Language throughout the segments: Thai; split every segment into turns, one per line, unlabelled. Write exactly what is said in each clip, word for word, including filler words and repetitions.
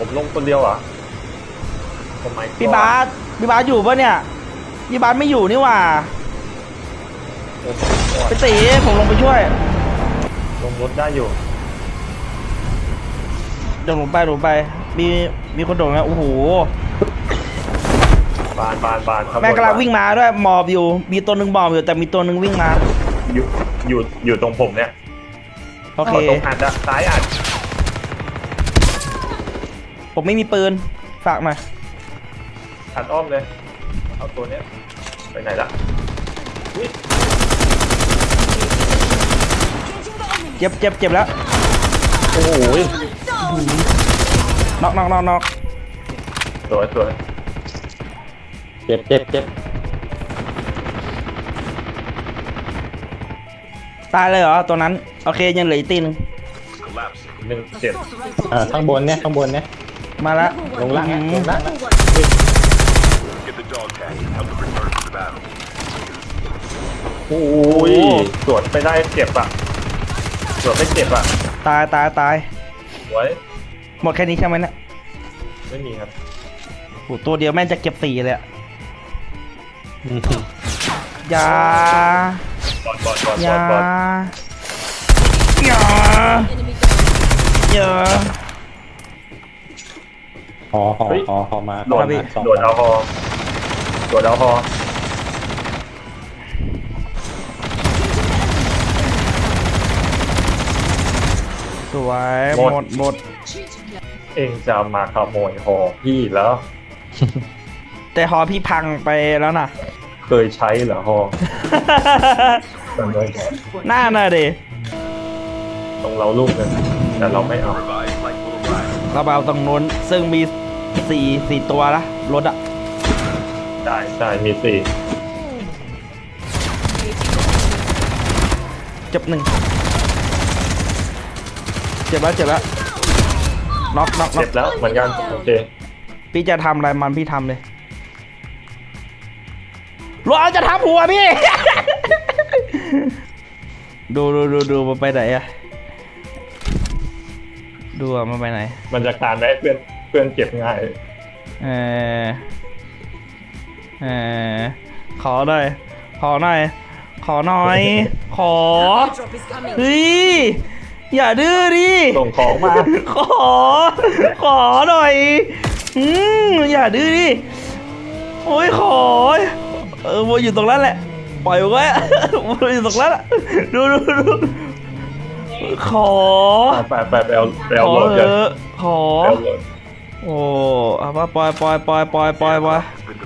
ผมลงคนเดียวเหรอทำไม
พี่บาสพี่บาสอยู่ปะเนี่ยพี่บาสไม่อยู่นี่หว่าไปตีผมลงไปช่วย
ลงรถได้อยู่
เดี๋ยวผมไปผมไปมีมีคนโดดไหมโอ้โห
บานบานบาน
แม่กำลังวิ่งมาด้วยหมอบอยู่มีตัวหนึ่งหมอบอยู่แต่มีตัวหนึ่งวิ่งมา
อยู่อยู่อยู่ตรงผมเนี่ย
โอเค
ตรงอัดอะซ้ายอัด
ผมไม่มีปืนฝากหน่อย
อัดอ้อมเลยเอาตัวเนี้ยไปไหนละ
เจ็บเจ็บเจ็บแล้ว
โอ้โห
น็อกน็อกน็อกน็อก
สวยสวย
เจ็บเจ็บเจ็บ
ตายเลยเหรอตัวนั้นโอเคยังเหลืออีกตีนึง
หนึ่งเจ็บ
อ่าข้างบนเนี่ยข้างบนเนี่ย
มาแล้ว
ลงล่างลงล่าง
โอ้ยสวนไปได้เจ็บอ่ะสวนไม่เจ็บอ่ะ
ตายตายตาย
สวย
หมดแค่นี้ใช่ไหมเนี่ย
ไม่มีครับ
โหตัวเดียวแม่งจะเก็บสี่เลยอะยา
บอลบอลบอล
ยา
บอล
ยายา
หอหอหอหอมา
โดดโดดเอาหอโดดเอาหอ
สวยหมดหมด
เองจะมาขโมยหอพี่แล้ว
แต่หอพี่พังไปแล้วนะ
เคยใช้เหรอหอ
หน้าหน่าดิ
ตรงเราลูกนึงแต่เราไม่เอา
เราเอาตรงนู้นซึ่งมีสี่สี่ตัวละรถอะ
ใช่ใช่มีสี่
เจ็บหนึ่งเจ็บแล้วเจ็บแล้วน็อกน็อก
เจ็บแล้วเหมือนกันโอเค
พี่จะทำอะไรมันพี่ทำเลยเราจะทำหัวพี่ ดูดูดูดูมาไปไหนอะดูอะมาไปไหน
มันจะการได้เพื่อนเพื่อนเก็บง่าย
เออเออขอหน่อยขอหน่อยขอหน่อยขอเฮ้ยอย่าดื้อดิ
ส่งของมา
ขอขอหน่อยอืมอย่าดื้อดิโอ้ยขอเออวัวอยู่ตรงนั้นแหละปล่อยไว้วัวอยู่ตรงนั้นดูดูดูขอ
ไปไปไปเอาไปเอารถกัน
ขอโอ้เอาปปล่อยปล่อยปล่อยปล่อยปล่อยปล่อย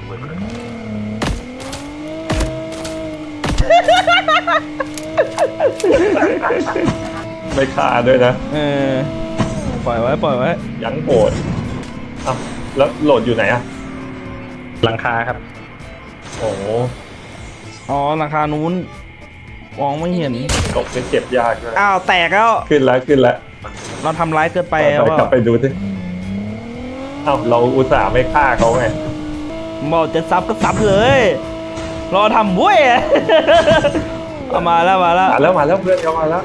ไม่ฆ่าด้วยนะ
เออปล่อยไว้ปล่อยไว้
ยังโหดอ้าวแล้วโหลดอยู่ไหนอะ
หลังคาครับ
โอ้
อ๋อหลังคานู้นมองไม่เห็น
ตกเป็นเจ็บยากเลย
อ้าวแตกแล้ว
ขึ้นแล้วขึ้นแล้ว
เราทำร้ายเกินไป
แล้วกลับไปดูสิอ้าวเราอุตส่าห์ไม่ฆ่าเขาไง
บอกจะซับก็ซับเลยรอทำบุ้ยเอามาแล้วมาแล้ว
มาแล้วมาแล้วเพื่อนเขามาแล้ว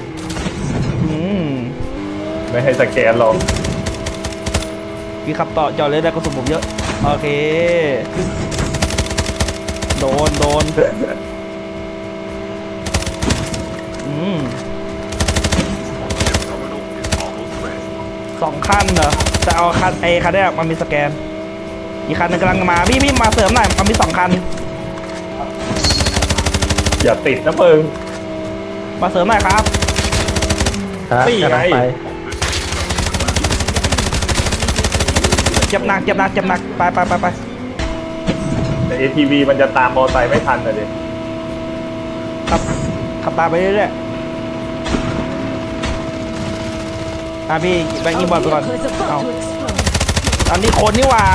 ไม่ให้สแกนหรอก
พี่ขับต่อจอดเลยได้กระสุนผมเยอะโอเคโดนโดนอืมสองคันเหรอแต่เอาคันเอคันนี้มันมีสแกนอีกคันนึงกำลังมาพี่พี่มาเสริมหน่อยมันมีสองคัน
อย่าติดนะเพิง
มาเสริมหน่อยครับ
ตีไง
เจ็บหนักเจ็บหนักเจ็บหนักไปไปไปไป
แต่ เอ ที วี มันจะตามมอเตอร์ไซค์ไม่ทันเลย
ขับขับตามไปเรื่อยๆอ่ะพี่แบงค์ยิงบอลไปก่อนเอาตอนนี้คนนี่ว่า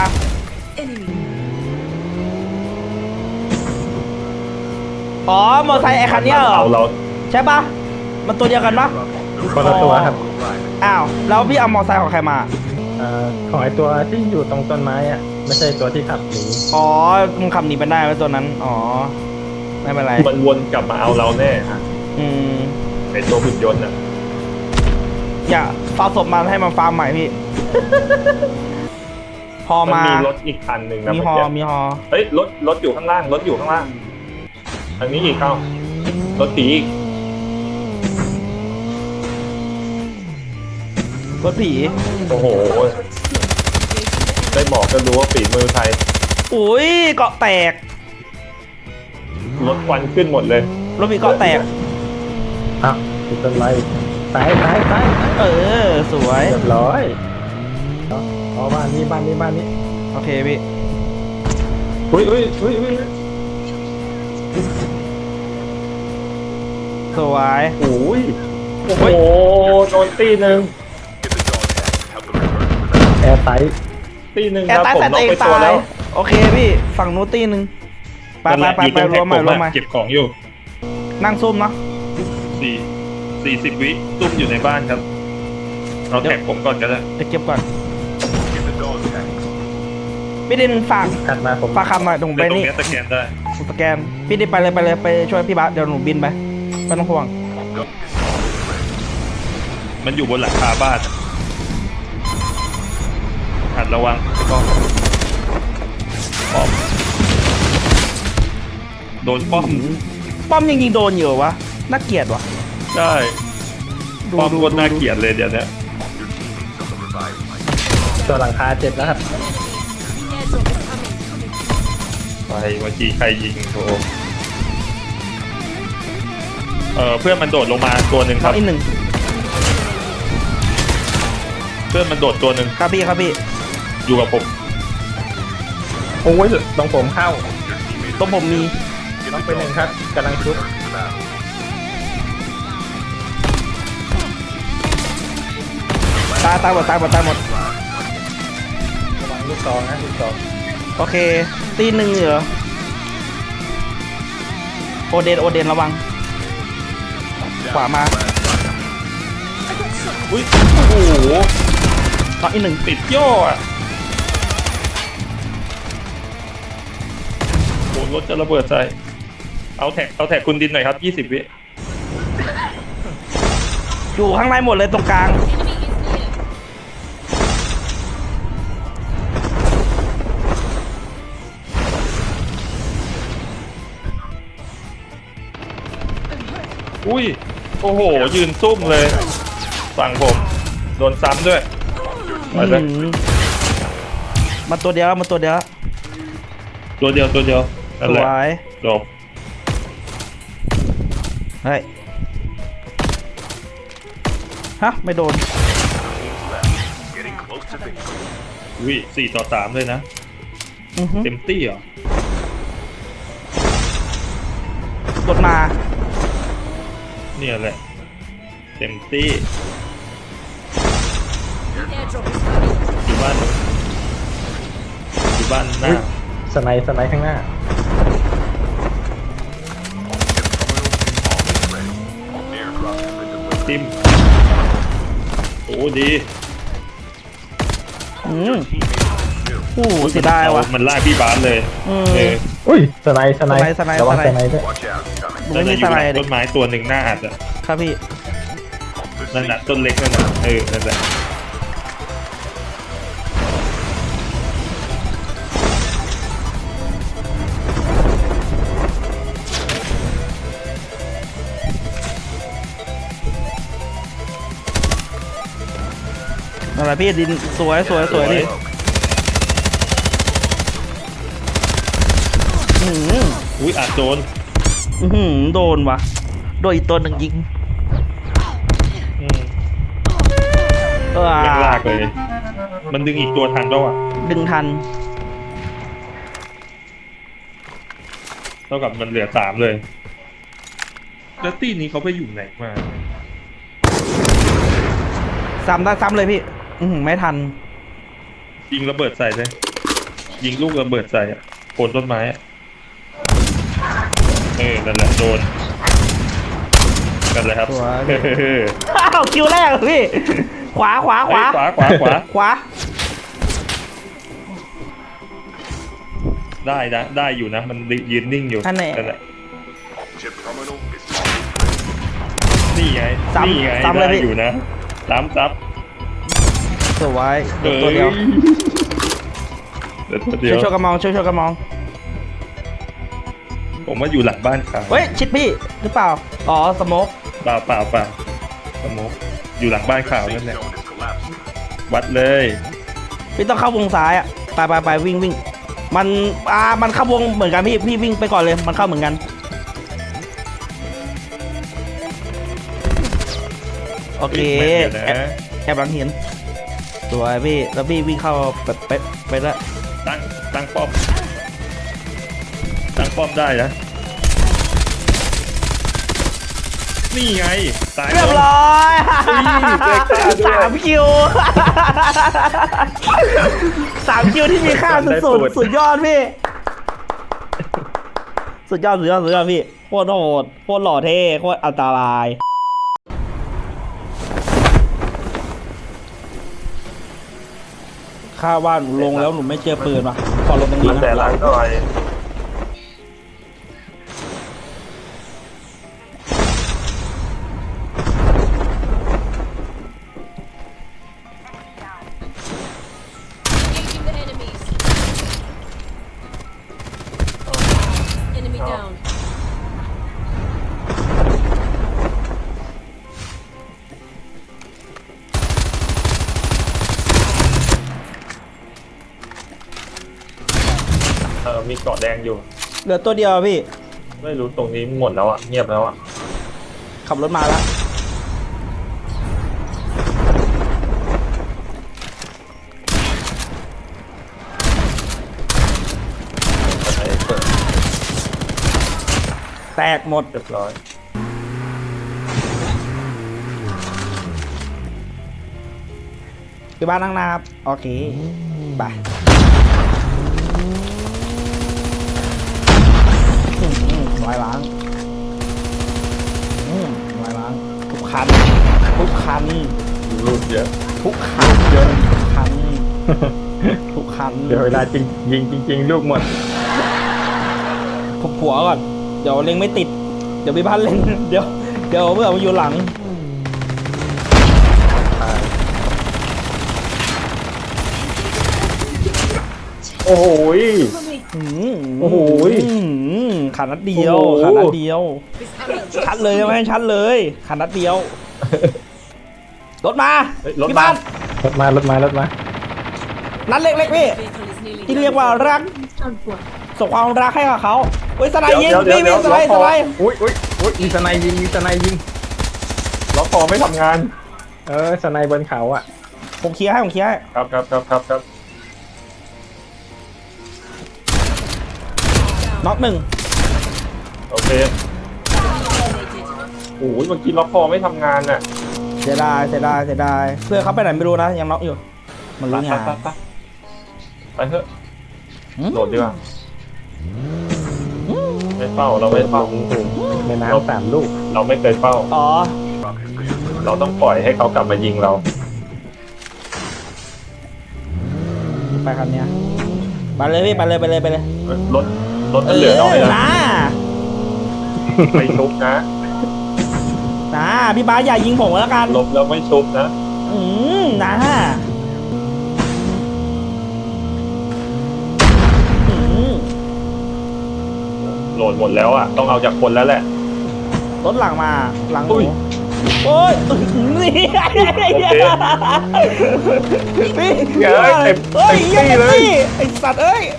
อ๋อมอเตอร์ไซค์ไอ้คันนี้เหรอใช่ปะมันตัวเดียวกันปะ
คนละตัวครับ
อ้าวแล้วพี่เอามอเตอร์ไซค์ของใครมา
ของไอตัวที่อยู่ตรงต้นไม้อะไม่ใช่ตัวที่ขับหนี
อ๋อมันขับหนีไปได้ไหมตัวนั้นอ๋อไม่เป็นไร
มันวนกลับมาเอาเราแน่
อืม
ไอตัวหุ่นยนต์อะ
อย่าฟาศพมาให้มันฟาร์มใหม่พี่ฮอ
มัน
มา
มีรถอีกคันหนึ่งนะ
มี
เมื่
ฮอ
กี้
มีฮอ
เฮ้ยรถรถอยู่ข้างล่างรถอยู่ข้างล่างอันนี้อีกเข้ารถผีอีก
รถผี
โอ้โหได้บอกก็รู้ว่าฝีมือใคร
อุ้ยเกาะแตก
รถควันขึ้นหมดเลย
รถผีเกาะแตก
อ้าวติดต้นไม้ซ้ายซ้ายซ้าย
เออสวย
เรียบร้อยเอาเอาบ้านนี้บ้านนี้บ้านนี้
โอเคพี่
อุ้ยอุ้ยอุ้ยอุ้ย
สวย
โอ้ยโอ้โหโดนตีหนึ่ง
แอร์ไซส์
ตีหนึ่ง
แอ
ค
ร์
รับ
ใต้
ผม
ใส่
น็
ตั
อก
วเองตาย
ไปตัวแล้ว
โอเคพี่ฝั่งนู้นตีหนึ่งไปไปไปไปรวมมารวมมา
เก็บของอยู่
นั่งซุ่มเนาะ
สี่สี่สิบวิซุ่มอยู่ในบ้านครับเอาแท็กผมก่อนก็ได้
เดี๋ยวเก็บก่อนพี่ดินฝาก
ขัดมาผม
ฝากคำหน่อยตรง
แต่
ไป
ตรง
นี่
เนี้ยสแกนได้
สแกนพี่ดินไปเลยไปเลยไปช่วยพี่บาสเดี๋ยวหนูบินไปไม่ต้องห่วง
มันอยู่บนหลังคาบ้านหัดระวังก็ป้อมโดนป้อม
ป้อมยังยิงโดนอยู่เหรอวะน่าเกลียดวะ
ใช่
ดู
ป้อม
ดู
คนน่า
ดู
เกลียดเลยเดี๋ยวเนี้ย
ตัวหลังคาเจ็บแล้วครับ
ไปเมื่อกี้ใครยิงโถเออเพื่อนมันโดดลงมาตัวหนึ่งค
น้อ
รั
ง
บ
อีกหนึ่ง
เพื่อนมันโดดตัวหนึ่ง
ครับพี่ครับพี่
อยู่กับผม
โอ้ยตรงผมเข้า
ตรงผมมี
ต้องไปหนึ่งครับกำลังชุบ
ตายตายหมดตายหมดตายหมด
ระวังลูกซองนะลูกซอง
โอเคตีหนึ่งเหรอโอเดนโอเดนระวังขวามา
อุ้ยโอ้โห
น้องอีกหนึ่ง
ติดย่ออ่ะโหรถจะระเบิดใส่เอาแท็กเอาแท็กคุณดินหน่อยครับยี่สิบวิ
อยู่ข้างในหมดเลยตรงกลาง
อุ้ย โอ้โห ยืนซุ่มเลย ฝั่งผม โดนซ้ำด้วยไปเลย
อื้อหือมาตัวเดียวแล้วมาตัวเดียวแล้ว
ตัวเดียวตัวเดียวนั่น
ส
แหละ
วย
จบ
เฮ้ยฮะไม่โดน
วิสี่ต่อสามเลยนะ
อือหือ
เต็มตี้เหรอ
กดมา
เนี่ยแหละ เต็มตี้ อยู่บ้านอยู่บ้านหน้า
สไนด์สไนด์ข้างหน้า
ทิมโอ้ดี
อืมโอ้โหเสียดายวะ
มันลากพี่บาสเลย
อืม
เออ
อุ้ยสไนด์สไนด์
สไนด์
ระวัง
ส
ส
ไนด์
ไนด์ด้วย
หนู
นั่น
ไม่
น่ะ
มี
อ
ส
ยู่ห
ไล
ลัง
ด์ดิ
ต้นไม้ตัวหนึ่งหน้าอัดอ่ะ
ครับพี่
นั่นน่ะต้นเล็กนั่นน่ะเออนั่นแหละ
นั่นแหละพี่ดินสวยสวยสวยพี่อือหือ
อุ้ยอัดโดน
อื้อหือโดนวะโดนอีกตัวหนึ่งยิง
อืม
เออ
แม่งลากเลย มันดึงอีกตัวทันแล้วอ่ะ
ดึงทัน
เท่ากับมันเหลือสามเลย แล้วตีนี้เขาไปอยู่ไหนมา
ซ้ำได้ซ้ำเลยพี่ อือหือไม่ทัน
ยิงระเบิดใส่เลยยิงลูกระเบิดใส่อะโคนต้นไม้อะเออนั่นแหละโดนกันเลยครับ
สวย
เออ
อ้าวคิวแรกเหรอพี่ ขวาขวาขวา
เฮ้ยขวาขวาขวา
ขวา
ได้นะได้อยู่นะ มันยืนนิ่งอยู่
อันไหน
นั่นแหละนี่ไง
ซ้ำ
นี่ไง
ซ้ำเลย
ได้
พี่
อยู่นะซ้ำซับ
สสวยเด็กตัวเดียว
เดี๋ยวตัวเดี
ช่
ยว วย
ช่วยกันมองช่วยช่วยกันมอง
ผมว่าอยู่หลังบ้านเขา
เฮ้ยชิดพี่หรือเปล่าอ๋อสโมก
เปล่าเปล่าเปล่าสมมติอยู่หลังบ้านเขานั่นแหละวัดเลย
พี่ต้องเข้าวงซ้ายอ่ะไปไปไปวิ่งวิ่งมันอ่ามันเข้าวงเหมือนกันพี่พี่วิ่งไปก่อนเลยมันเข้าเหมือนกันโอเค
เดี๋ยว
แอบ
นะ
แอบหลังเห็นสวยพี่แล้วพี่วิ่งเข้าแบบไปไปแล้ว
ตั้งตั้งป้อมตั้งป้อมได้นะนี่ไงตาย
เรียบ
แล้ว
ร้อย
เด็กตาด้วย
สามคิวสามคิวที่มีค่าสุดๆสุดยอดพี่สุดยอดสุดยอดสุดยอดพี่โคตรโหดโคตรหล่อเท่โคตรอันตรายข้าว่าหนูลงแล้วหนูไม่เจอปืนว่ะขอลงตรงนี้
แต่
นะ
หลังหน่อย
Engaging the enemies. Enemy down.
เออมีเกาะแดงอยู่
เหลือตัวเดียวอะพี่
ไม่รู้ตรงนี้หมดแล้วอ่ะเงียบแล้วอ่ะ
ขับรถมาแล้ว
ไอ้เปิด
แตกหมด
เรียบร้อย
ที่บ้านนั่งนะครับ โอเคไปอืมอืมลายล้างอืมลายล้างทุกคันทุกคัน
รูดเยอะ
ทุกคันเยอะทุกคันทุกคัน
เดี๋ยวเวลาจริงยิงจริง ๆ ลูกหมด
ผมผัวก่อน เดี๋ยวเล็งไม่ติด เดี๋ยวพี่พันเล็ง เดี๋ยว เดี๋ยวเมื่อมาอยู่หลัง
โอ้โหย
อืม
โอ้โห
อืมขาดนัดเดียว
โอ้โห
ขาดนัดเดียว ชัดเลยไหมชัดเลยขาดนัดเดียว รถมา
เฮ้ยรถ
พี่
มา
บ้าน
รถมารถมารถมา
นัดเล็กๆพี่
Vehicle is nearly
ที่
done.
เรียกว่ารัก ส่งความรักให้กับเขาเฮ้ยสไนด์ยิง
เดี๋ยว
พี่
เดี๋
พี่
ยว
สไนด์
ล็
ส
อกคอ
ไนด์
อุ้ยอุ้ยอุ้ยมีสไนยิงมีสไนยิง
ล็อกคอไม่ทำงาน
เออสไนบนเขาอ่ะ
ผมเคลียร์ให้ผมเคลียร์ให้
ครับครับครับครับครับ
น็อกหนึ่ง
โอเคโอ้ยเมื่อกี้ล็อกคอไม่ทำงานน่ะ
เสียดายเสียดายเสียดายเพื่อนเขาไปไหนไม่รู้นะยังน็อกอยู่ มัน
ไป
รู้
ไป
งาน
ไปไปไปเถอะ
อืม
โหลดดีกว่าไม่เฝ้าเราไม่เฝ้า
ในน้ำสามลูก
เราไม่เคยเฝ้า
อ๋อ
เราต้องปล่อยให้เขากลับมายิงเรา
ไปคันเนี้ยไปเลยพี่ไปเลยไปเลยไปเลย
รถรถมันเหลือน้อย
นะ
นะ ไม่ชุบนะ
นะพี่บ้าสอย่ายิงผมแล้วกัน
ลบแล้วไม่ชุบนะ
อืมนะอืม
โหลดหมดแล้วอ่ะ ต้องเอาจากคนแล้วแหละ
รถหลังมาหลังห
อุ้
นู
ย
โอ้ยนี่
โอเค
พี่
เฮ้ยเต็ม
เฮ้ย
เต็มที่เลย
ไอ้สัตว์เอ้ย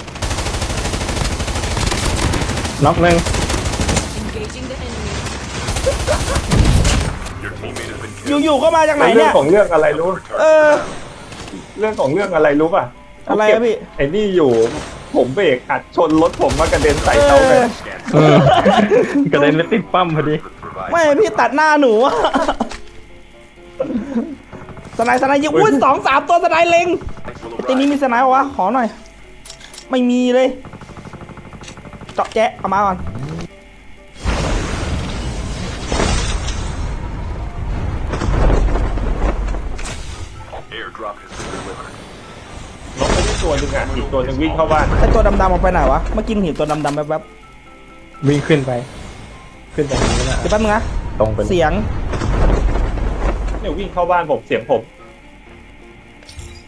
น็อกหนึ่ง
Engaging the enemy.
อยู่ๆก็มาจากไหน
เรื่
เนี่
อย งของเรื่องอะไรรู้
เออ
เรื่องของเรื่องอะไรรู้ป่ะ
อะไรอะพี่
ไอ้นี่อยู่ ผมเบรกอัดชนรถผมมากระเด็นใส่เขาเลย
เออ
กระเด็นไปติดปั๊มพอดี
ไม่พี่ตัดหน้าหนูอะสไนด์สไนด์ยิงอุ้ยสองสามตัวสไนด์เล็งตีนี้มีสไนด์ปะวะขอหน่อย ไม่มีเลย เจาะแจ๊ะเอามาก่อน
รถไม่ได้ตัวหนึ่งอ่ะอีกตัวหนึ่งวิ่งเข้าบ้าน
ไอตัวดำๆออกไปไหนวะเมื่อกี้เห็นตัวดำๆแวบ
วิ่งขึ้นไป ขึ้นไปทางนี้นะ
ๆเดี๋ยวแป๊บนึงนะ
ตรงไป
เสียง
เนี่ยวิ่งเข้าบ้านผมเสียงผม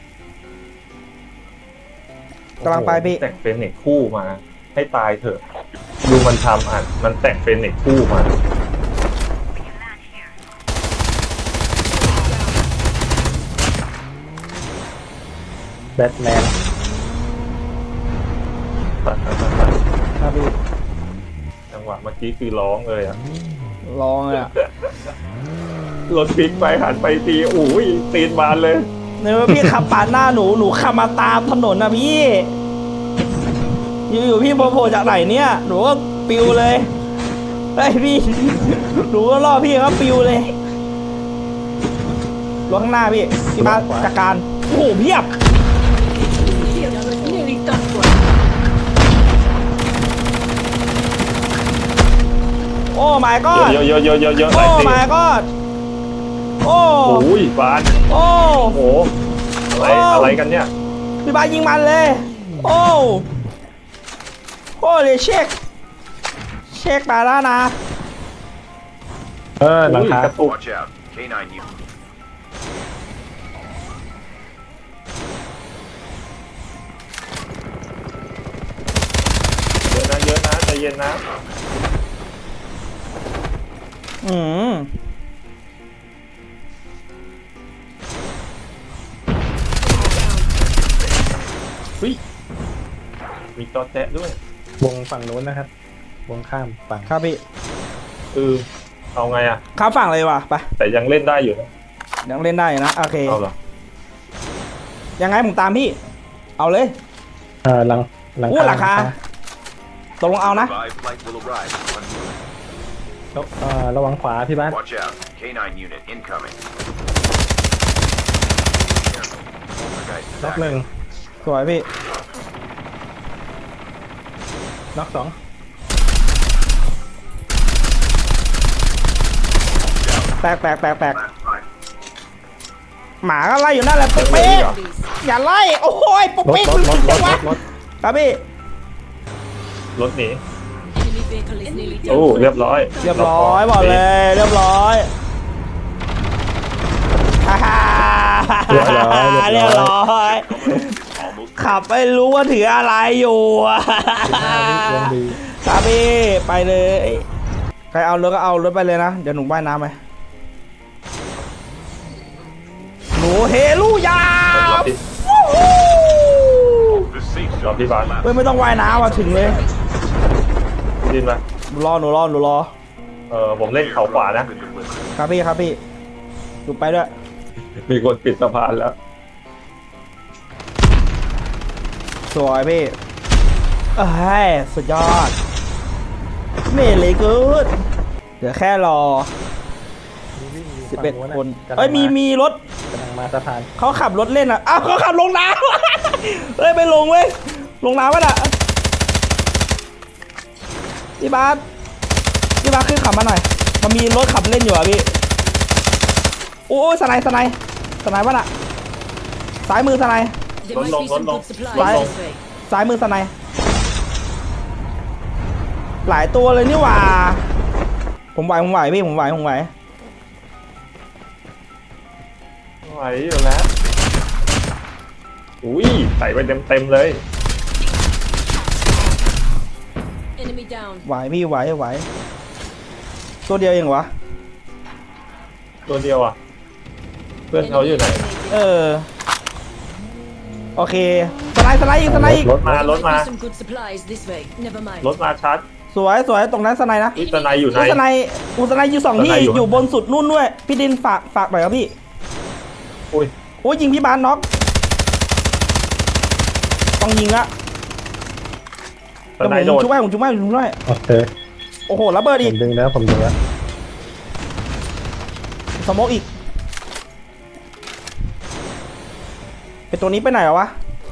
กำลังไปพี่
แต่งเป็นเน็กคู่มา ให้ตายเถอะ ดูมันทำอ่ะ มันแต่งเป็นเน็กคู่มา
แบทแมน
ตัดตัดตัดตัด
ครับพี่
จังหวะเมื่อกี้คือร้องเลยอ่ะ
ลองเลยอ่ะ
รถพลิกไปหันไปตีโอ้ยตีนบานเลย
เนี่ยพี่ขับปาดหน้าหนูหนูขับมาตามถนนนะพี่อยู่ๆพี่โผล่จากไหนเนี่ยหนูก็ปิวเลยไอ้ยพี่หนูก็ล่อพี่เขาปิวเลยรถข้างหน้าพี่พี่มาจัดการโอ้โหเพียบ
Nearly done for.
โอ้ my
เย
god
อะเยอะเยอะเยอะเยอะ
โอ้
หลายตี
my god โอ้
โอ้ยบาน
โอ้
โอ้โหอะไร
โอ้
อะไรกันเนี่ย
พี่บาสยิงมันเลย โอ้โอ้เลยเช็ค เช็คมาแล้วนะ
เออหลังคา
อุ้ยกระตุก
Watch out. K nine unit.
เยอะนะเยอะนะใจเย็นนะ
อืม
เฮ้ยมีจอแจ๊ะด้วย
วงฝั่งนู้นนะครับ วงข้ามฝั่ง
ครับพี่
เออเอาไงอ่ะ
ข้ามฝั่งเลยว่ะไป
แต่ยังเล่นได้อยู่นะ
ยังเล่นได้อยู่นะ โอเค
เอาเหรอ
ยังไงผมตามพี่ เอาเลย
เออหลังหลัง
อู้หลังคา ตกลงเอานะ
Revived flight will arrive in one minute.
แล้วเออระวังขวาพี่บ้าน
Watch out. K nine unit incoming. Careful. Poltergeist is
น็อกหนึ่ง
active.
สวยพี่
น็อกสอง
แตกแตกแตกแตกหมาก็ไล่อยู่นั่นแหละ
ยัง
เป๊ะ
มีเหรอ
ๆอย่าไล่ โอ้ยปุ๊บ
รถ
ปิ๊ก
รถรถร
จั
ถ
ง
ร
วะ
ถรถ
ครับพี่
รถหนี
Enemy vehicle is nearly
โอ้
done.
เรียบร้อย
เรียบร้อยบอกเลย เรียบร้อยฮ่าฮ่า
เรียบร้อย
เรียบร้อย
Almost
ขับไม่รู้ว่าถืออะไรอยู่อะ
ห้าวิวงดี
ครับพี่ไปเลยใครเอารถก็เอารถไปเลยนะ เดี๋ยวหนูว่ายน้ำไปหนูเฮลูยา
รอพี่
วู้ฮู้
the safe
Drop
zone
the
is
van.
collapsed.
เฮ้ยไม่ต้องว่ายน้ำว่ะถึงเลย
ดินมา
หนูรอหนูรอหนูรอ
เออผมเล่นเขาขวานะ
Been delivered.
ครับพี่ครับพี่หนูไปด้วย
มีคนปิดสะพานแล้ว
สวยพี่เอ้ยสุดยอดเมเลยกูดเดี๋ยวแค่รอสิบเอ็ดคนเอ้ยมีมีรถ
กำลังมาสะพาน
เขาขับรถเล่นอ่ะ อ้าวเขาขับลงน้ำ เฮ้ยไปลงเว้ย ลงน้ำวะน่ะพี่บาสพี่บาสขึ้นขับมาหน่อย มันมีรถขับเล่นอยู่อ่ะพี่ โอ้ยสไนด์สไนด์สไนด์วะน่ะ ซ้ายมือสไนด์
There might be some good supplies
Right.
this way.
ซ้ายมือสไนด์หลายตัวเลยนี่หว่า ผมไหวผมไหวพี่ผมไหวผมไหว
ไหวอยู่แล้ว อุ้ยใส่ไปเต็มเต็มๆเลย
Enemy down.
ไหวพี่ไหวไหว ตัวเดียวเองวะ
ตัวเดียวอ่ะ เพื่อนเขาอยู่ไหน
เออ โอเค สไนด์สไนด์อีกสไนด์อีก
รถมารถ
There
มา
might be some good supplies this way. Never mind.
รถมาชัด
สวยสวยตรงนั้นสไนด์นะ
วิสนายอยู่ไหน
อุสไนด์อุสไนด์อยู่สองที่
สไนด์อยู่
อยู่บนสุดนู่นด้วย พี่ดินฝากฝากหน่อยครับพี่
อุ้ย
โอ้ยยิงพี่บานน็อกต้องยิงละ
สนาย
เดี๋
โด
ยวผม
ด
ชุบให้ผมชุบให้ผมชุบให้
โอเค
โอ้โหระเบิด
ผ
อีก
มดึงแล้วผมดึงแล้ว
สโมกอีกไอตัวนี้ไปไหนวะ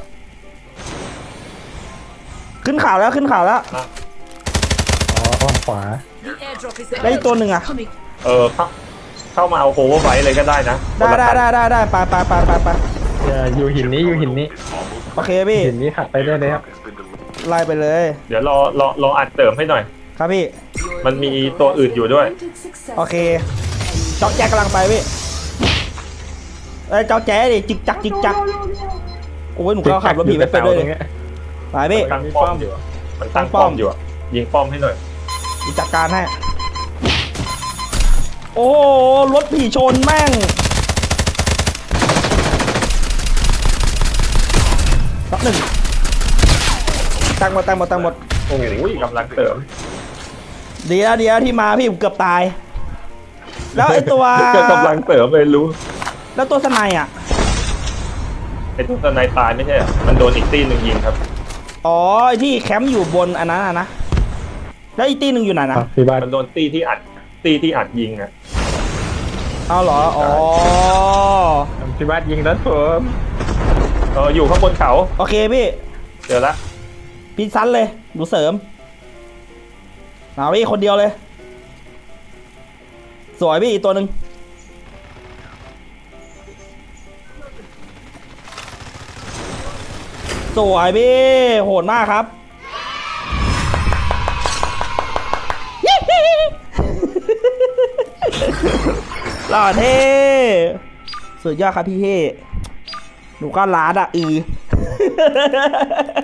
ขึ้นข่าวแล้วขึ้นข่าวแล้ว
อ๋ออ้อมขวา
The airdrop is
ได้อีกตัวหนึ่งอะ
coming.
เออเข้าเข้ามาเอาโคเวอร์ไว้เลยก็ได้นะ
ได้ได้ได้ได้ได้ไปไปไปไปไป
อย่าอยู่หินนี้อยู่หินนี้
Is almost
โอเคพี่
หินนี้ขับไปได้เลยครับ
has been delivered.
ไล่ไปเลย
เดี๋ยวรอรอรออัดเติมให้หน่อย
ครับพี่
มันมีตัวอื่นอยู่ด้วย
โอเคเจ้าแจ๊กกำลังไปพี่เอ้ยเจ้าแจ๊ดิจิกจักจิกจักโอ้ยหนูก็ขับรถผีไปไปด้วยเลย
ติด
ไปพี่
ตั้งป้อมอยู่อะมันตั้งป้อมอยู่อะยิงป้อมให้หน่อย
มีจัดการให้โอ้โหรถผีชนแม่งสักหนึ่งตั้งหมดตั้งหมดตั้งหมด
โอ้ยกำลังเสริม
เดี๋ยวเดี๋ยวที่มาพี่ผมเกือบตาย แล้วไอตัว
ก็กำลังเสริมเลยรู้
แล้วตัวสไนอ่ะ
ไอ้ตัวสไนตายไม่ใช่เหรอมันโดนอีกตีหนึ่งยิงครับ
อ๋อไอที่แคมป์อยู่บนอันนั้นอะนะแล้วอีกตีหนึ่งอยู่ไหนนะ
อ่ะพี่บ้าน
มันโดนตีที่อัดตีที่อัดยิงอะ
เอาเหรออ๋อ
พี่บ้านยิงรถผม
เอออยู่ข้างบนเขา
โอเคพี่
เจอละ
พี่ซันเลยหนูเสริมเอาพี่คนเดียวเลย สวยพี่อีกตัวหนึ่งสวยพี่โหดมากครับ หล่อเท่สุดยอดครับพี่เท่หนูก็ล้าดอ่ะอือ